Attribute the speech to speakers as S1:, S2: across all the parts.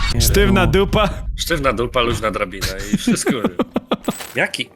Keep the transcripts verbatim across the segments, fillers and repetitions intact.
S1: Sztywna dupa.
S2: Sztywna dupa, luźna drabina i wszystko. Jaki?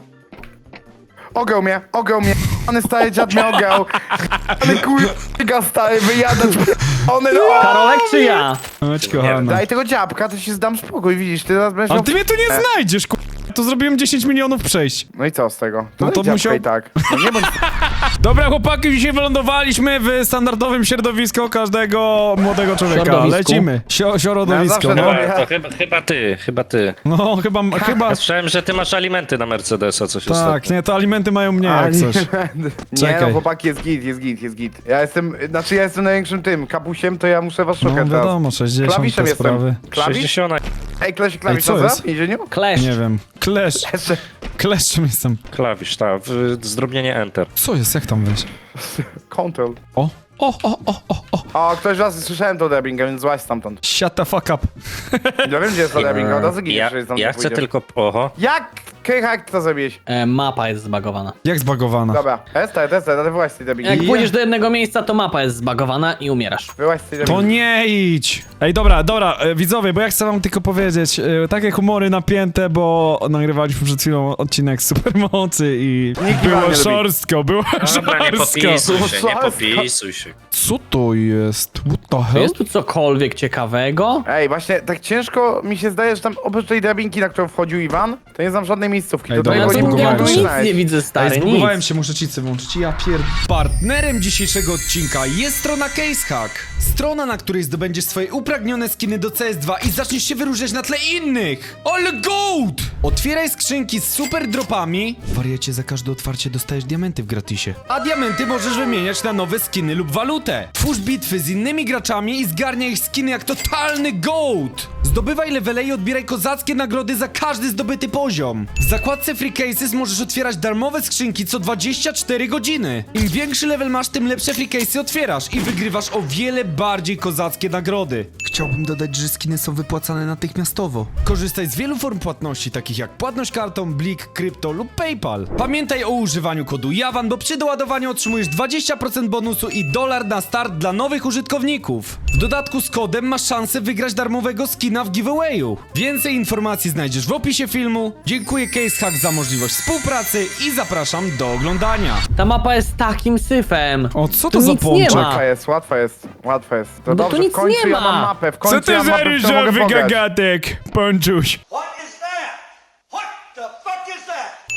S3: Ogiął mnie, ogiął mnie. One stary dziad mnie ogiął. Ale kurwa stary, wyjadać. One no.
S4: Karolek czy ja?
S1: Chodź, kochana.
S3: Daj tego dziabka, to ci zdam spokój, widzisz, ty teraz będziesz
S1: Ale
S3: miał...
S1: ty mnie tu nie znajdziesz, ku... Tu zrobiłem dziesięć milionów przejść.
S3: No i co z tego? To
S1: No to
S3: dziabka
S1: musiał-
S3: i tak. No nie bądź...
S1: Dobra, chłopaki, dzisiaj wylądowaliśmy w standardowym środowisku każdego młodego człowieka.
S4: Środowisku.
S1: Lecimy. Sio środowisko,
S3: zawsze
S1: no.
S3: robię.
S2: To chyba, chyba ty, chyba ty.
S1: No, chyba, chyba...
S2: Ja słyszałem, że ty masz alimenty na Mercedesa, coś
S1: Tak,
S2: ostatnio.
S1: nie, to alimenty mają mnie,
S3: A,
S1: jak
S3: nie,
S1: coś.
S3: nie
S1: Czekaj.
S3: no, chłopaki, jest git, jest git, jest git. Ja jestem, znaczy ja jestem największym tym, kapusiem, to ja muszę was
S1: No
S3: szukać teraz.
S1: wiadomo, sześćdziesiąt
S3: Klawiszem
S1: te
S3: jestem.
S1: sprawy.
S3: Klawisz?
S2: sześćdziesiąt.
S3: Ej, klawisz, klawisz,
S1: co
S3: co
S1: jest?
S3: za? W więzieniu?
S4: Klesz.
S1: Nie wiem. Klesz.
S3: Jeszcze.
S1: Kleszczem jestem.
S2: Klawisz, tak, w- zdrobnienie Enter.
S1: Co jest? Jak tam wejść?
S3: Control.
S1: O, o, o, o, o, o.
S3: O, ktoś raz słyszałem to dubbinga, więc złaź stamtąd.
S1: Shut the fuck up.
S3: Ja wiem, gdzie jest to dubbing, od razu
S2: Ja,
S3: giniesz, że tam
S2: ja chcę
S3: pójdziesz.
S2: tylko... Oho.
S3: Jak? Krycha, jak ty to zrobiłeś?
S4: E, mapa jest zbagowana.
S1: Jak zbagowana?
S3: Dobra, testaj, testaj, ale wyłaź z tej dubbingi.
S4: Jak
S1: Ja-
S4: pójdziesz do jednego miejsca, to mapa jest zbagowana i umierasz.
S3: Wyłaź z tej
S1: To
S3: dubbingi.
S1: nie idź! Ej, dobra, dobra, e, widzowie, bo ja chcę wam tylko powiedzieć, e, takie humory napięte, bo nagrywaliśmy przed chwilą odcinek Supermocy i
S3: Nikt nie
S1: było
S3: lubi.
S1: szorstko, było
S2: Dobra, nie
S1: szorstko.
S2: popisuj się, nie
S3: Szorstko.
S2: popisuj się.
S1: Co to jest? What the
S4: Czy
S1: hell?
S4: jest tu cokolwiek ciekawego?
S3: Ej, właśnie, tak ciężko mi się zdaje, że tam oprócz tej dubbingi, na którą wchodził Iwan, to nie znam żadnej miejscówki.
S1: Ej,
S3: to
S1: dobra,
S4: No ja
S3: tego
S4: tu,
S3: nie
S4: ja
S1: zbugowałem
S4: tu
S3: mogłem
S1: się.
S4: nic
S3: znaleźć.
S4: nie widzę,
S1: Ej,
S4: stary,
S1: zbugowałem
S4: nic.
S1: się, muszę cicy włączyć. Ja pier... Partnerem dzisiejszego odcinka jest strona CaseHack. Strona, na której zdobędziesz swoje upragnione skiny do C S dwa i zaczniesz się wyróżniać na tle innych. Ale gold! Otwieraj skrzynki z super dropami. Wariacie, za każde otwarcie dostajesz diamenty w gratisie. A diamenty możesz wymieniać na nowe skiny lub walutę. Twórz bitwy z innymi graczami i zgarniaj ich skiny jak totalny gold. Zdobywaj levele i odbieraj kozackie nagrody za każdy zdobyty poziom. W zakładce Free Cases możesz otwierać darmowe skrzynki co dwadzieścia cztery godziny. Im większy level masz, tym lepsze Free Casey otwierasz i wygrywasz o wiele bardziej kozackie nagrody. Chciałbym dodać, że skiny są wypłacane natychmiastowo. Korzystaj z wielu form płatności, takich jak płatność kartą, Blik, krypto lub PayPal. Pamiętaj o używaniu kodu JAWAN, bo przy doładowaniu otrzymujesz dwadzieścia procent bonusu i dolar na start dla nowych użytkowników. W dodatku z kodem masz szansę wygrać darmowego skina w giveawayu. Więcej informacji znajdziesz w opisie filmu. Dziękuję CaseHack za możliwość współpracy i zapraszam do oglądania.
S4: Ta mapa jest takim syfem.
S1: O, co
S4: Tu
S1: to za
S4: nic nie
S1: pączek?
S4: ma.
S3: Łatwa jest, łatwa jest, łatwa jest. To
S4: No to
S3: dobrze,
S4: nic
S3: w końcu
S4: nie
S3: ja
S4: ma.
S3: mam mapę, w
S1: Co
S3: końcu
S1: ty
S3: ja mam
S1: za
S3: mapę, w którą mogę
S1: ryżowy
S3: pograć.
S1: gagatek, pączuś?
S5: What is that? What the fuck is that?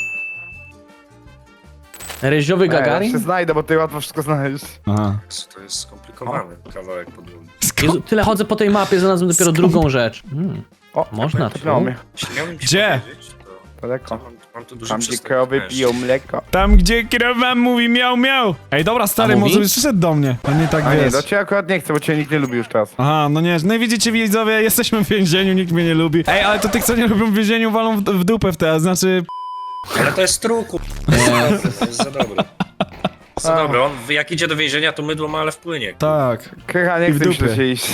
S4: Ryżowy
S3: Nie, ja
S4: Gagarin?
S3: się znajdę, bo ty łatwo wszystko znaleźć.
S1: Aha.
S2: To jest skomplikowany kawałek podłogi.
S4: Jezu, tyle chodzę po tej mapie, znalazłem dopiero drugą rzecz. Hmm.
S3: O,
S4: Można
S3: tepnęło
S4: tu?
S3: mnie.
S2: Jeśli miałbym ci
S1: Gdzie?
S2: powiedzieć, to
S3: Daleko.
S2: mam, mam tu duży
S3: Tam, gdzie
S2: przystęp
S3: krowy
S2: mężczyzn.
S3: piją mleko.
S1: Tam, gdzie krowa mówi miał miał. Ej, dobra, stary,
S4: A mówi?
S1: może byś przyszedł do mnie. A nie tak
S3: A nie,
S1: wiesz.
S3: do ciebie akurat nie chcę, bo cię nikt nie lubi już teraz.
S1: Aha, no nie, no i widzicie widzowie, jesteśmy w więzieniu, nikt mnie nie lubi. Ej, ale to tych, co nie lubią w więzieniu, walą w, w dupę w te, znaczy...
S2: Ale to jest truku. To jest za dobry. Za dobry, on jak idzie do więzienia, to mydło ma, ale wpłynie.
S1: Tak.
S3: Krycha, nie
S1: I w
S3: chcę mi
S1: dupę.
S3: się się iść.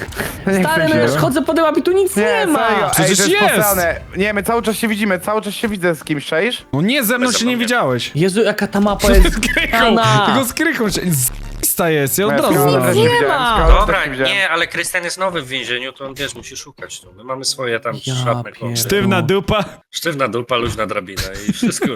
S3: Nie
S4: Stary,
S3: chcę
S4: no
S3: mi
S4: już
S3: się.
S4: chodzę po tej mapie, tu nic nie,
S3: Nie,
S4: ma.
S3: serio, ej,
S1: Przecież
S3: to jest,
S1: jest.
S3: posrane. Nie, my cały czas się widzimy, cały czas się widzę z kimś, czaisz?
S1: No nie, ze mną
S2: Bez
S1: się nie
S2: zapomnienia.
S1: widziałeś.
S4: Jezu, jaka ta mapa jest
S1: Z krychą,
S4: zgrana.
S1: tylko z krychą się... Z***sta jest, ja od
S3: Ja
S1: razu
S3: Scarlett
S1: znalazłem.
S3: też
S4: nie
S3: widziałem,
S4: ma.
S3: Scarlett
S2: Dobra,
S3: też widziałem.
S2: nie, ale Krystian jest nowy w więzieniu, to on wiesz, musi szukać tu. My mamy swoje tam
S4: Ja
S2: szatne
S4: pier-
S2: kąty.
S1: Sztywna dupa.
S2: Sztywna dupa, luźna drabina i wszystko.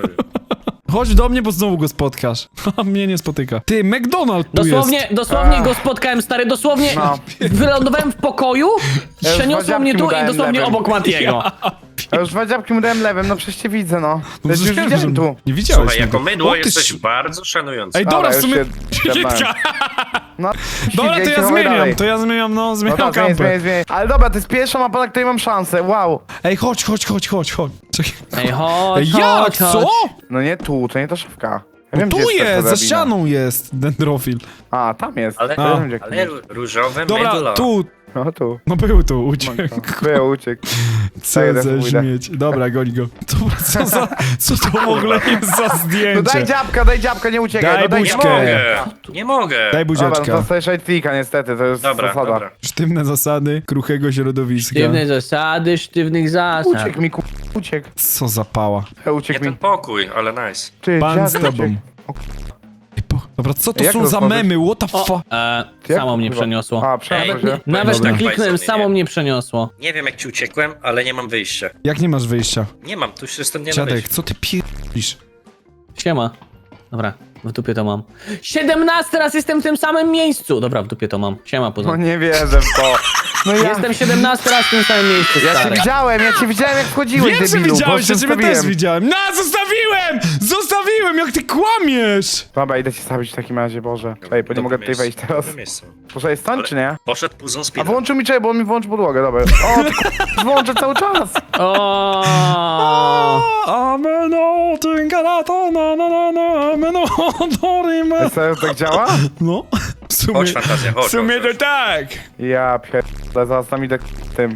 S1: Chodź do mnie, bo znowu go spotkasz. A mnie nie spotyka. Ty, McDonald tu
S4: Dosłownie,
S1: jest.
S4: dosłownie
S3: A.
S4: go spotkałem, stary, dosłownie
S3: No.
S4: wylądowałem w pokoju,
S3: Ja już
S4: przeniosło mnie
S3: wadziapki
S4: tu
S3: mu
S4: i
S3: dałem
S4: dosłownie
S3: lewym.
S4: obok Matiego.
S3: Ja już dwa dziabki mu dałem lewym, no przecież cię widzę, no. Ja już
S1: Wiem, że-
S3: widziałem tu.
S1: Nie widziałeś
S2: Słuchaj, jako
S1: mnie.
S2: mydło
S1: O, ty
S2: jesteś
S1: sz-
S2: bardzo szanujący.
S1: Ej, dobra, w
S3: już
S1: sumie...
S3: się
S1: Kitka.
S3: zjebałem. No,
S1: Dobra, to
S3: idź,
S1: ja
S3: chowaj
S1: zmieniam,
S3: dalej.
S1: to ja zmieniam, no,
S3: No
S1: zmieniam
S3: tak, zmieniaj,
S1: kampę.
S3: zmieniaj, zmieniaj. Ale dobra, to jest pierwsza mapa, na której mam szansę, wow.
S1: Ej, chodź, chodź, chodź, chodź, chodź. Czekaj.
S4: Ej, chodź,
S1: Ej, jak?
S4: chodź,
S1: Co?
S4: chodź.
S3: No nie tu, to nie ta szafka. Ja
S1: No
S3: wiem,
S1: tu
S3: gdzie ta
S1: jest, za
S3: drabina.
S1: ścianą jest dendrofil.
S3: A, tam jest.
S2: Ale,
S3: To ja wiem, gdzie
S2: ale
S3: jest.
S2: różowe
S1: Dobra,
S2: mydło.
S1: tu.
S3: No tu.
S1: No był tu, uciekł.
S3: Był, uciekł.
S1: Co
S3: Daj,
S1: za
S3: pójdę.
S1: śmieć. Dobra, goni go. Dobra, co za... Co to w ogóle jest za
S3: No
S1: zdjęcie?
S3: daj dziabka, daj dziabka, nie uciekaj.
S1: Daj
S3: no daj
S2: Nie
S1: buźkę.
S2: mogę, nie mogę.
S1: Daj
S3: Dobra, no
S1: buziaczka.
S3: to dostajesz right niestety, to jest
S2: Dobra,
S3: zasada.
S2: dobra.
S1: Sztywne zasady kruchego środowiska.
S4: Sztywne zasady, sztywnych zasad.
S3: Uciekł mi, ku... uciekł.
S1: Co za pała.
S3: E,
S2: Nie
S3: Uciekł
S2: ten
S3: mi.
S2: pokój, ale nice.
S3: Ty,
S1: Pan
S3: dziad
S1: z tobą.
S3: uciekł.
S1: Ej, po- Dobra, co to
S3: Jak
S1: są za
S3: rozmawiać?
S1: memy? What the
S4: O,
S1: fuck?
S4: e,
S3: Jak?
S4: samo mnie
S3: Chyba-
S4: przeniosło.
S3: A, przeniosło
S2: Ej,
S3: się.
S4: Nawet
S1: Dobra.
S4: tak kliknąłem,
S2: Bajzony,
S4: samo
S2: nie?
S4: mnie przeniosło.
S2: Nie wiem jak ci uciekłem, ale nie mam wyjścia.
S1: Jak nie masz wyjścia?
S2: Nie mam, tu się stąd nie da
S1: Dziadek,
S2: wyjść.
S1: co ty pierdolisz?
S4: Siema. Dobra, w dupie to mam. siedemnasty raz jestem w tym samym miejscu. Dobra, w dupie to mam. Siema,
S3: No
S4: poza.
S3: nie wierzę w to. No ja,
S4: Jestem siedemnasty raz w tym samym miejscu,
S3: ja cię
S4: stary.
S3: widziałem, ja cię widziałem jak wchodziłeś,
S1: Wiem, że
S3: debilu,
S1: widziałeś,
S3: bo
S1: ja
S3: cię
S1: ciebie też
S3: zostawiłem.
S1: widziałem. No, zostawiłem! Zostawiłem, jak ty kłamiesz!
S3: Dobra, idę cię zabić w takim razie, Boże. Ej, bo nie mogę tutaj wejść teraz.
S2: Dobre miejsce.
S3: Muszę jest stąd,
S2: Ale-
S3: czy nie?
S2: Poszedł puzon
S3: A
S2: speed.
S3: włączył mi czekaj, bo on mi włączył podłogę, dobra. O, ty k***, włączę cały czas.
S4: O.
S1: Ameno, tyngalato, na na na na, ameno, dorime.
S3: Serio tak działa?
S1: No, w sumie,
S2: Chodź fantazja, chodź.
S1: w sumie
S2: chodź,
S1: to
S2: chodź.
S1: tak.
S3: Ja pierdolę, zaraz tam idę k- tym.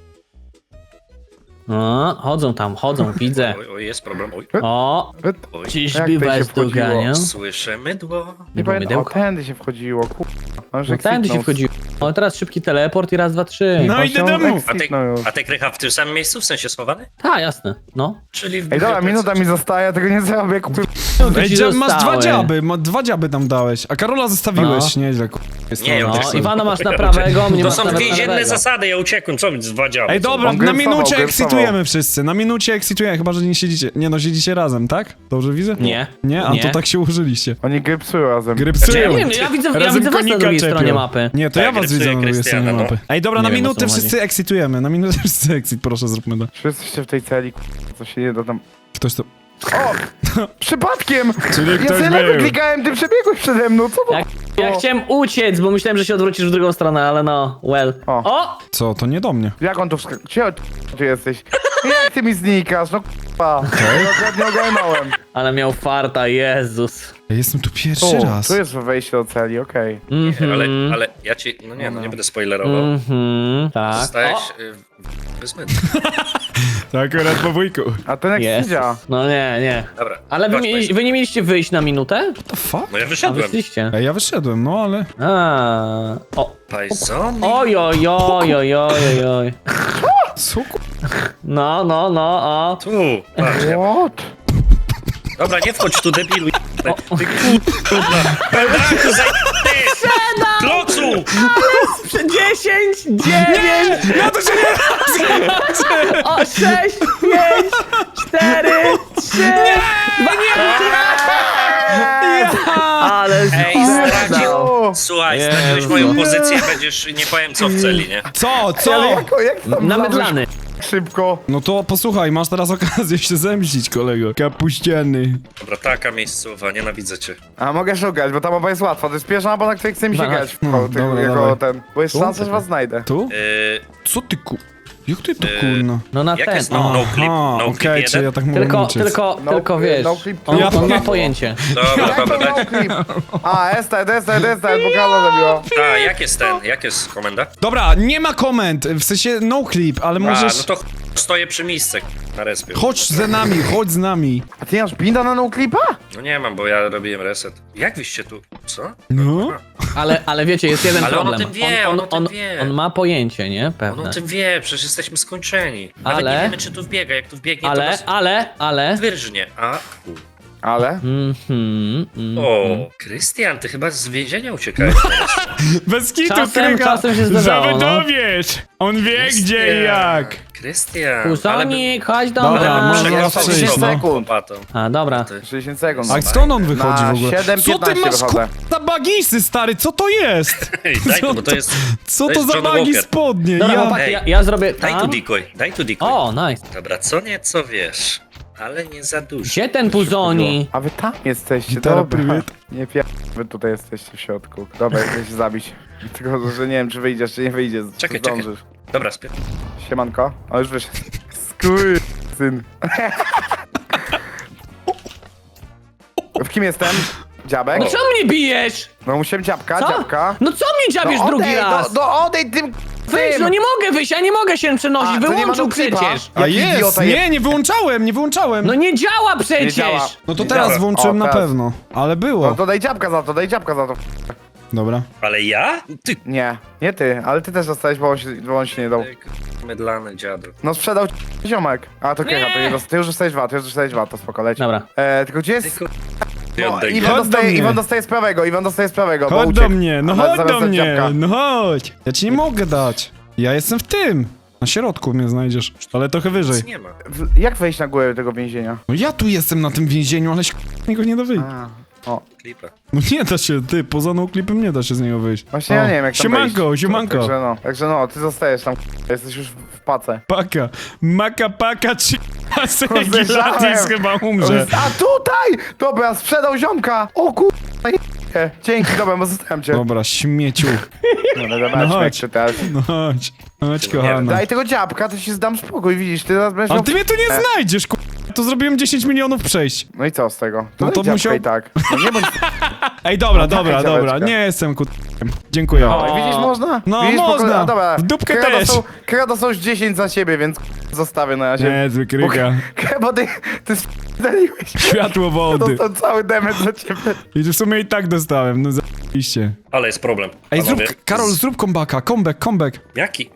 S4: O, chodzą tam, chodzą, widzę.
S2: Oj, oj, jest problem. Oj,
S4: O,
S3: Wy-
S2: oj.
S4: czyżby
S3: Jak tutaj się
S4: was
S3: wchodziło?
S4: doganiał?
S2: Słyszę mydło.
S4: Nie
S3: Nie
S4: było
S3: pamiętam, o,
S4: mydełka?
S3: tędy się wchodziło, kur... On
S4: No tędy się wchodziło. O, teraz szybki teleport i raz, dwa, trzy.
S1: No idę do domu.
S2: A ty,
S3: No już.
S2: a ty krycha w tym samym miejscu, w sensie schowany?
S4: Tak, jasne, no.
S2: Czyli w
S3: Ej, dobra,
S2: bibliotece.
S3: minuta mi zostaje, tego nie zrobię, kur...
S1: Ej,
S4: ci
S1: dzia- masz dwa
S4: zostały.
S1: dziaby, ma, dwa dziaby tam dałeś, a Karola zostawiłeś,
S4: No.
S1: nieźle, ku... jest
S2: Nie, ja
S1: to-
S4: No,
S2: uciekłem.
S4: Iwana masz na prawego, mnie
S2: To
S4: masz
S2: są
S4: nawet na
S2: więzienne
S4: lewego.
S2: zasady, ja uciekłem, co mi dwa działy?
S1: Ej, dobra,
S3: On
S1: na
S3: grypsował,
S1: minucie
S3: grypsował.
S1: ekscytujemy wszyscy, na minucie ekscytujemy, chyba, że nie siedzicie, nie no, siedzicie razem, tak? Dobrze widzę?
S4: Nie.
S1: Nie? A
S4: Nie.
S1: to tak się ułożyliście.
S3: Oni grypsują razem.
S4: Ja
S1: Grypsują.
S4: nie wiem, ja widzę, ja
S1: Razem
S4: widzę was na
S1: konika
S4: drugiej
S1: czepią.
S4: stronie mapy.
S1: Nie, to
S2: Tak,
S1: ja was
S2: grypsuje
S1: widzę na drugiej stronie
S2: Krystiana,
S1: mapy.
S2: no.
S1: Ej, dobra,
S4: Nie
S1: na
S4: wiem, o co
S1: minutę
S4: chodzi.
S1: wszyscy ekscytujemy, na minutę wszyscy exit, proszę zróbmy to.
S3: Wszyscy jesteście w tej celi, kur... co się nie da tam...
S1: Ktoś to...
S3: O! Przypadkiem!
S1: Czyli
S3: Ja
S1: ktoś
S3: sobie lewy
S1: był.
S3: klikałem, ty przebiegłeś przede mną, co to?
S4: Ja, ja chciałem uciec, bo myślałem, że się odwrócisz w drugą stronę, ale no, well.
S3: O.
S4: O!
S1: Co, to nie do mnie.
S3: Jak on tu wskakał? Gdzie ty, ty jesteś? Jak ty mi znikasz? No k***a. Ja go nie ogarnąłem.
S4: Ale miał farta, Jezus.
S1: Ja jestem tu pierwszy
S3: Tu,
S1: raz.
S3: tu jest wejście do celi, okej.
S4: Mhm.
S2: Ale, ale ja ci, no nie, no nie będę spoilerował.
S4: Mhm, tak.
S2: Zostałeś
S4: O,
S2: y, bez mytu.
S1: Tak, akurat po wujku.
S3: A ten jak
S4: Jezus.
S3: siedział.
S4: No nie, nie.
S2: Dobra.
S4: Ale wy,
S2: chodź,
S4: mieli,
S2: Państwo.
S4: wy nie mieliście wyjść na minutę?
S1: What the fuck?
S2: No ja
S4: A
S2: wyszedłem.
S4: wyszliście.
S1: Ej, ja wyszedłem, no ale...
S4: A. O.
S2: Pajzony.
S4: Oj, oj, oj, oj, oj, oj, oj.
S1: Co ku...
S4: No, no, no, o.
S2: Tu, patrz, ja...
S3: What?
S2: Dobra, nie wchodź tu, debilu. Ty kurwa. Pedaku, zaj... Ty! Klocu!
S4: dziesięć, dziewięć,
S1: Ja to się nie...
S4: o, sześć, pięć, cztery, trzy, ale
S2: Ej, stracił.
S3: O!
S2: Słuchaj,
S4: Jezu.
S2: straciłeś moją pozycję, będziesz, nie powiem co w celi, nie?
S1: Co,
S3: Ale
S1: co?
S3: jak, jak ty tam
S4: namydlany.
S3: wlazłeś szybko?
S1: No to posłuchaj, masz teraz okazję się zemścić, kolego. Kapuściany.
S2: Dobra, taka miejscowa, nienawidzę cię.
S3: A mogę szukać, bo ta mapa jest łatwa. To jest pierwsza mapa, na której chcę mi się
S4: Dawaj.
S3: grać.
S1: No,
S3: Jako, ty,
S1: dobra,
S3: jako
S1: dawaj.
S3: ten. Bo jest
S1: Tu?
S3: szansa, że was znajdę.
S1: Tu?
S2: Yy,
S1: Co ty ku... Jak ty to
S2: Yy,
S1: kurna?
S4: No na
S2: jak
S4: ten.
S2: jest no, no clip,
S1: Aha,
S2: no
S1: okej,
S2: clip
S1: czy ja
S2: jeden?
S1: tak mogę
S4: Tylko,
S1: uciec.
S4: tylko,
S3: No,
S4: tylko wiesz,
S3: no clip,
S4: on,
S1: ja
S4: on ma
S1: powiem.
S4: pojęcie.
S2: Dobra,
S3: Jak
S2: dobra,
S3: to
S2: daj.
S3: no clip? A, estet, estet, estet, bo Karla zabiła.
S2: A, jak jest ten, jak jest komenda?
S1: Dobra, nie ma komend, w sensie no clip, ale
S2: A,
S1: możesz...
S2: no to ch- stoję przy miejscu na respie.
S1: Chodź za nami, chodź z nami.
S3: A ty nie masz binda na no clipa?
S2: No nie mam, bo ja robiłem reset. Jak wyście tu, co?
S1: No?
S4: Ale, ale wiecie, jest jeden
S2: Ale on o
S4: problem.
S2: tym wie, on o tym
S4: on,
S2: wie.
S4: on ma pojęcie, nie?
S2: On
S4: Pewne.
S2: o tym wie, przecież jesteśmy skończeni. Nawet
S4: Ale-
S2: nie wiemy, czy tu wbiega, jak tu wbiegnie, to
S4: Ale,
S2: nas
S4: ale, ale...
S2: wyrżnie. A, u.
S3: Ale?
S4: Mhm, mhm.
S2: O, Krystian, ty chyba z więzienia uciekałeś.
S1: Bez kitu,
S4: Czasem-
S1: Krycha.
S4: czasem się zdarzało, no.
S1: Zawodowiesz. On wie gdzie i jak.
S2: Krystian,
S4: Pusonik, chodź do
S1: Dobra,
S4: mnie.
S1: może
S2: Ja
S1: raz
S2: sobie
S1: przyjść,
S2: znowu
S1: no.
S2: chłopatą.
S4: A, dobra.
S2: Ty.
S3: sześćdziesiąt sekund.
S1: A skąd on wychodzi
S3: Na
S1: w ogóle?
S3: siedem
S1: Co ty
S3: piętnaście
S1: masz
S3: wychodzę.
S1: za bagisy, stary? Co to jest?
S2: Ej, daj
S1: Co
S2: to, bo to
S1: to-
S2: jest...
S1: Co
S2: to
S1: to
S2: jest
S1: za
S2: John
S1: bagi
S2: Walker.
S1: spodnie?
S4: Dobra,
S1: Ja...
S4: chłopaki,
S2: Ej,
S4: ja, ja zrobię
S2: Daj tu
S4: tam.
S2: decoy, daj tu decoy.
S4: O, nice.
S2: Dobra, co nieco wiesz, ale nie za dużo.
S4: Gdzie ten puzoni?
S3: A wy tam jesteście,
S1: Gitara,
S3: dobra.
S1: prywyt.
S3: Nie pier... Wy tutaj jesteście w środku. Dobra, chcę się zabić. Tylko, że nie wiem, czy wyjdziesz, czy nie wyjdziesz. Czy
S2: Czekaj, czekaj.
S3: zdążysz.
S2: Dobra, spier...
S3: Siemanko. O, już wyszedł. Skur... syn. W kim jestem? Dziabek?
S4: No co mnie bijesz?
S3: No musiałem dziabka,
S4: Co?
S3: dziabka.
S4: No co mnie dziabiesz
S3: No
S4: drugi
S3: odejdź,
S4: raz?
S3: No, no odejdź tym...
S4: Wyjść,
S3: tym.
S4: no nie mogę wyjść, ja nie mogę się przenosić,
S3: A, to nie ma
S4: wyłączył
S3: no clipa.
S4: przecież.
S1: A
S3: Jaki
S1: jest,
S3: idiota jest.
S1: nie, nie wyłączałem, nie wyłączałem.
S4: No nie działa przecież.
S3: działa.
S1: No to
S3: Nie
S1: teraz
S3: działa.
S1: włączyłem
S3: O,
S1: na
S3: teraz.
S1: pewno, ale
S3: No
S1: było.
S3: to daj dziabka za to, daj dziabka za to.
S1: Dobra.
S2: Ale ja? Ty...
S3: Nie, nie ty, ale ty też dostałeś, bo on się, bo on się nie dał.
S2: Ty, k- Mydlany dziadu.
S3: No sprzedał ci ziomek. A to Krycha, to nie dost... ty już dostałeś dwa, ty już dostałeś dwa, to spoko, leci.
S4: Dobra.
S3: E, tylko gdzie
S2: Ty,
S3: jest...
S2: ku- Ja
S3: No,
S2: oddaj
S3: Iwan
S1: Chodź do
S3: dostaje,
S1: mnie.
S3: Iwan dostaje z prawego, Iwan dostaje z prawego, bo
S1: Chodź
S3: uciekł.
S1: do mnie, no
S3: Ale
S1: chodź
S3: zamiast
S1: do
S3: dać
S1: mnie,
S3: dziabka.
S1: no chodź. Ja ci nie mogę dać. Ja jestem w tym. Na środku mnie znajdziesz, ale trochę wyżej.
S2: Nie ma.
S3: W- Jak wejść na górę tego więzienia?
S1: No ja tu jestem na tym więzieniu, ale się niego nie da wyjść.
S3: A, o.
S2: Klipa.
S1: No nie da się, ty, poza no klipem nie da się z niego wyjść.
S3: Właśnie
S1: O,
S3: ja nie wiem jak tam
S1: Siemanko,
S3: wejść.
S1: siemanko.
S3: Także no, także no, ty zostajesz tam, jesteś już w w pace.
S1: Paka, maka, paka, trzy
S3: Słyszałem.
S1: Gelatis chyba umrze.
S3: A tutaj! Dobra, sprzedał ziomka! O kur... Dzięki, dobra, bo zostałem cię.
S1: Dobra, śmieciu.
S3: No, no,
S1: No
S3: dobra, no,
S1: chodź.
S3: teraz.
S1: No chodź, chodź kochana.
S3: Daj tego dziabka, to ci zdam spokój, widzisz, ty teraz będziesz
S1: Ale
S3: miał...
S1: ty mnie tu nie znajdziesz, ku... To zrobiłem dziesięć milionów przejść.
S3: No i co z tego?
S1: No
S3: No
S1: to
S3: to
S1: musiał-
S3: i tak. No nie bądź...
S1: Ej, dobra,
S3: No
S1: dobra,
S3: daj
S1: dobra,
S3: dziabeczka.
S1: nie jestem ku... Dziękuję.
S3: O, widzisz, można?
S1: No,
S3: widzisz, po
S1: można.
S3: kolei- a, dobra.
S1: W dupkę
S3: Kredo
S1: też.
S3: Są, kredo są już dziesięć za siebie, więc zostawię na razie.
S1: Nie, zły kryga.
S3: Bo ty, ty spaliłeś.
S1: Światło wody.
S3: Dostał cały damage za ciebie.
S1: I w sumie i tak dostałem, no zajebiście.
S2: Ale jest problem.
S1: Ej, zrób,
S2: panowie.
S1: Karol, zrób combacka, comeback, comeback.
S2: Jaki?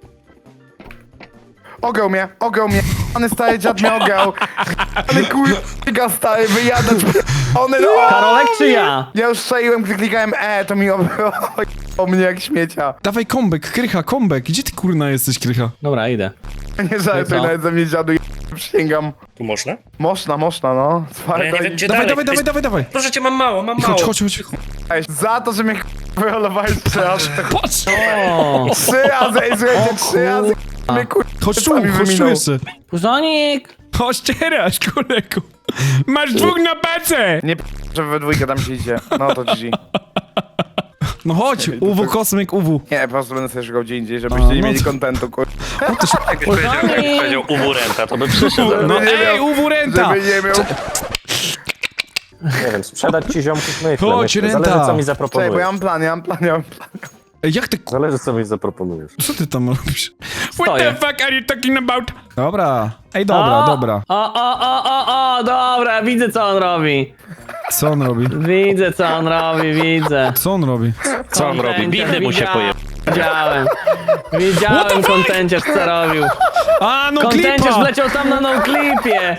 S3: Ogał mnie, ogał mnie. One stary dziad mnie ogał. Ale kurwa stary, wyjadać. One no.
S4: Karolek czy ja?
S3: Ja już strzeliłem, gdy klikałem E, to mi o, o mnie jak śmiecia.
S1: Dawaj comeback, Krycha, comeback. Gdzie ty kurna jesteś, Krycha?
S4: Dobra, idę.
S3: Nie żartuj
S4: co?
S3: nawet ze mnie dziadu, przysięgam.
S2: Tu można?
S3: Można, można, no.
S2: Ale ja nie wiem, gdzie
S1: Dawaj,
S2: dalej.
S1: dawaj, dawaj,
S2: Jest-
S1: dawaj, dawaj.
S2: Proszę cię, mam mało, mam mało.
S1: Chodź, chodź, chodź.
S3: Za to, że mnie wyrolowałeś trzy razy.
S1: Patrz!
S4: O,
S3: Trzy razy, ej, słuchajcie, trzy razy mnie kurwa
S1: Chodź tu,
S3: sami
S1: chodź tu
S3: wyminął.
S1: jeszcze.
S4: Puzonik!
S1: Chodź teraz, kolego. Masz dwóch na pacę!
S3: Nie p***, że we dwójkę tam się idzie. No to G G.
S1: No chodź, U W, kosmyk, U W.
S3: Nie, po prostu będę sobie szukał gdzie indziej, żebyście nie
S1: no
S3: mieli
S1: co?
S3: kontentu, kurwa.
S2: Jakbyś powiedział, jakbyś powiedział uwurenta, to by przyszedł.
S1: No
S3: nie
S1: ej,
S3: miał-
S1: U W renta!
S3: Żeby nie miał...
S6: Nie wiem, sprzedać ci ziomków myślę,
S1: Chodź,
S6: myślę.
S1: renta.
S6: Zależy co mi
S3: Czekaj, bo ja
S6: zaproponujesz.
S3: mam plan, ja mam plan, ja mam plan.
S1: Ej, jak ty ku...
S6: Zależy co mi zaproponujesz.
S1: Co ty tam robisz? What
S4: Stoję.
S1: the fuck are you talking about? Dobra. Ej, dobra,
S4: o,
S1: dobra.
S4: O, o, o, o, o, dobra, widzę co on robi.
S1: Co on robi?
S4: Widzę co on robi, widzę.
S1: Co on robi?
S2: Co on robi? Bity mu się poje...
S4: Widziałem. Widziałem kontenciarz co robił.
S1: A, no
S4: Kontenciarz
S1: klipa!
S4: wleciał tam na no klipie.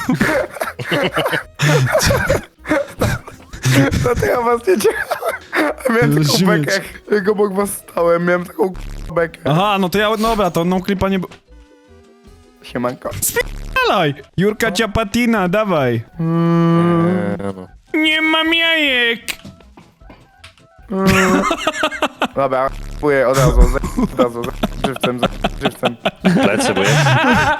S3: No to ja was nie ciekałem. Miałem taką
S1: Śmieć.
S3: bekę, jak obok was stałem, miałem taką k***a bekę.
S1: Aha, no to ja, dobra, to no klipa nie... b-
S3: Siemanko.
S1: Dalej! Jurka Ciapatina, dawaj.
S6: Eee, no.
S1: Nie mam jajek!
S3: Dobra, kupuję od razu, z- od razu, z- żywcem, z- żywcem.
S2: Plecy, bo ja...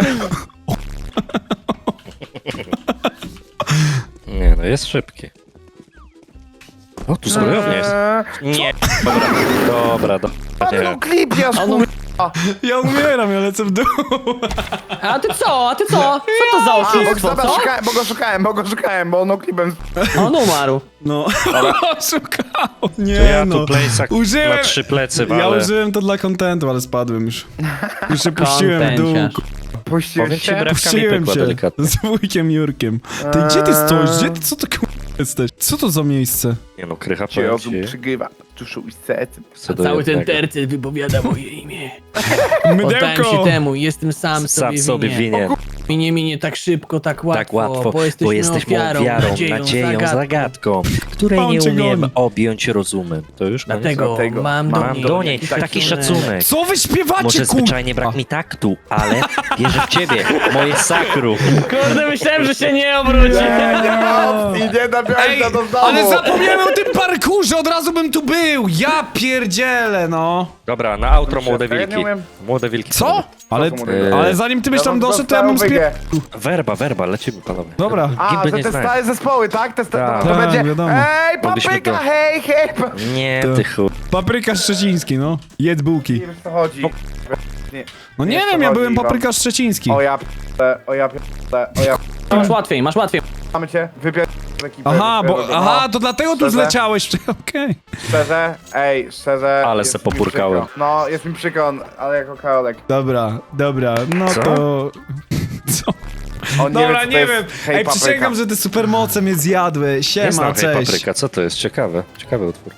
S2: Nie, no jest szybki. O, tu zbrojownia jest.
S3: Eee,
S2: Nie. Dobra, dobra, dobra.
S3: no
S2: Nie.
S3: klip ja
S4: On-
S1: Ja umieram, ja lecę w dół.
S4: A ty co? A ty co? Co to za
S3: A, bo,
S4: oszustwo,
S3: dobra,
S4: co?
S3: szukałem, bo go szukałem, bo go szukałem, bo ono klipem...
S4: On umarł.
S1: No, oszukało. Nie
S2: To ja
S1: no.
S2: tu plejsak
S1: Użyłem-
S2: na trzy plecy
S1: Ja
S2: walę.
S1: użyłem to dla kontentu, ale spadłem już. Już się puściłem w dół.
S4: Kontenciarz.
S3: Puściłeś
S2: Powiem ci,
S3: się?
S2: brew-
S1: Puściłem
S2: pykła
S1: się
S2: delikatnie.
S1: z wujkiem Jurkiem. Ty, gdzie ty stoisz? Gdzie ty, co to k***a jesteś? Co to za miejsce?
S2: Nie no, krycha
S3: Cię
S2: powiem
S3: rozum
S2: ci.
S3: przygrywa, tuszu i serce.
S2: co do
S4: Cały ten
S2: jednego.
S4: tercet wypowiada moje imię. Oddałem
S1: Mydełko!
S4: się temu, jestem sam
S2: Sam
S4: sobie
S2: sobie
S4: winien.
S2: winien.
S4: Minie, minie tak szybko, tak łatwo,
S2: Tak łatwo,
S4: bo jesteśmy,
S2: bo jesteśmy
S4: ofiarą,
S2: ofiarą,
S4: nadzieją,
S2: nadzieją,
S4: zagadką.
S2: zagadką, której
S1: On
S2: nie
S1: cię
S2: umiemy
S1: goni.
S2: objąć rozumem. To już koniec?
S4: Dlatego,
S3: Dlatego
S4: mam do
S3: mam
S4: niej,
S2: do niej taki szacunek.
S1: Co wy śpiewacie,
S2: Może
S1: kur...
S2: zwyczajnie brak mi taktu, ale wierzę w ciebie, moje sakrum.
S4: Kurde, myślałem, że się nie obróci.
S3: Nie, nie ma opcji, nie nabiałeś
S1: Ej,
S3: na to znowu.
S1: ale zapomniałem o tym parkurze, od razu bym tu był! Ja pierdzielę, no!
S2: Dobra, na outro młode
S3: Ja nie
S2: wilki.
S3: umiem.
S2: Młode wilki.
S1: Co? Ale,
S3: Co to mówię?
S1: ale zanim ty byś tam
S3: mam
S1: doszedł, to ja bym
S3: dostałą
S1: spie...
S3: wygę.
S2: Werba, werba, lecimy panowie.
S1: Dobra.
S3: A,
S2: Gimby
S3: że
S2: nie
S3: te
S2: znają.
S3: stare zespoły, tak? Te sta-
S2: Tak.
S3: to, to
S1: Tak,
S3: będzie...
S1: wiadomo.
S3: Ej,
S2: Mogliśmy
S3: papryka,
S2: to-
S3: hej, hej! pa-
S2: Nie,
S1: To-
S2: ty chuj.
S1: Papryka szczeciński, no. Jedz bułki.
S3: Nie wiem, o co chodzi. Nie.
S1: No nie
S3: Nie,
S1: wiem,
S3: co
S1: ja
S3: chodzi,
S1: byłem
S3: Iwan?
S1: papryka szczeciński.
S3: O ja p***e, o ja p***e, o ja p***e.
S4: Masz łatwiej, masz łatwiej.
S3: Mamy cię, wypier... z ekipy.
S1: Aha,
S3: wypier-
S1: bo,
S3: no.
S1: aha, to dlatego tu
S3: Szczerze?
S1: zleciałeś. Okej.
S3: Szczerze, ej, szczerze...
S2: Ale
S3: jest
S2: se
S3: mi
S2: popurkałem.
S3: przykro. No, jest mi przykro, ale jako Karolek.
S1: Dobra, dobra, no
S2: Co?
S1: to... Co?
S3: On nie
S1: Dobra,
S3: wie, co
S1: nie,
S3: to jest
S1: wiem.
S3: hej,
S1: Ej,
S3: papryka.
S1: przysięgam, że te supermoce mnie zjadły.
S2: Nie
S1: Siema,
S2: znam hej
S1: cześć.
S2: papryka, co to jest? Ciekawe, ciekawy utwór.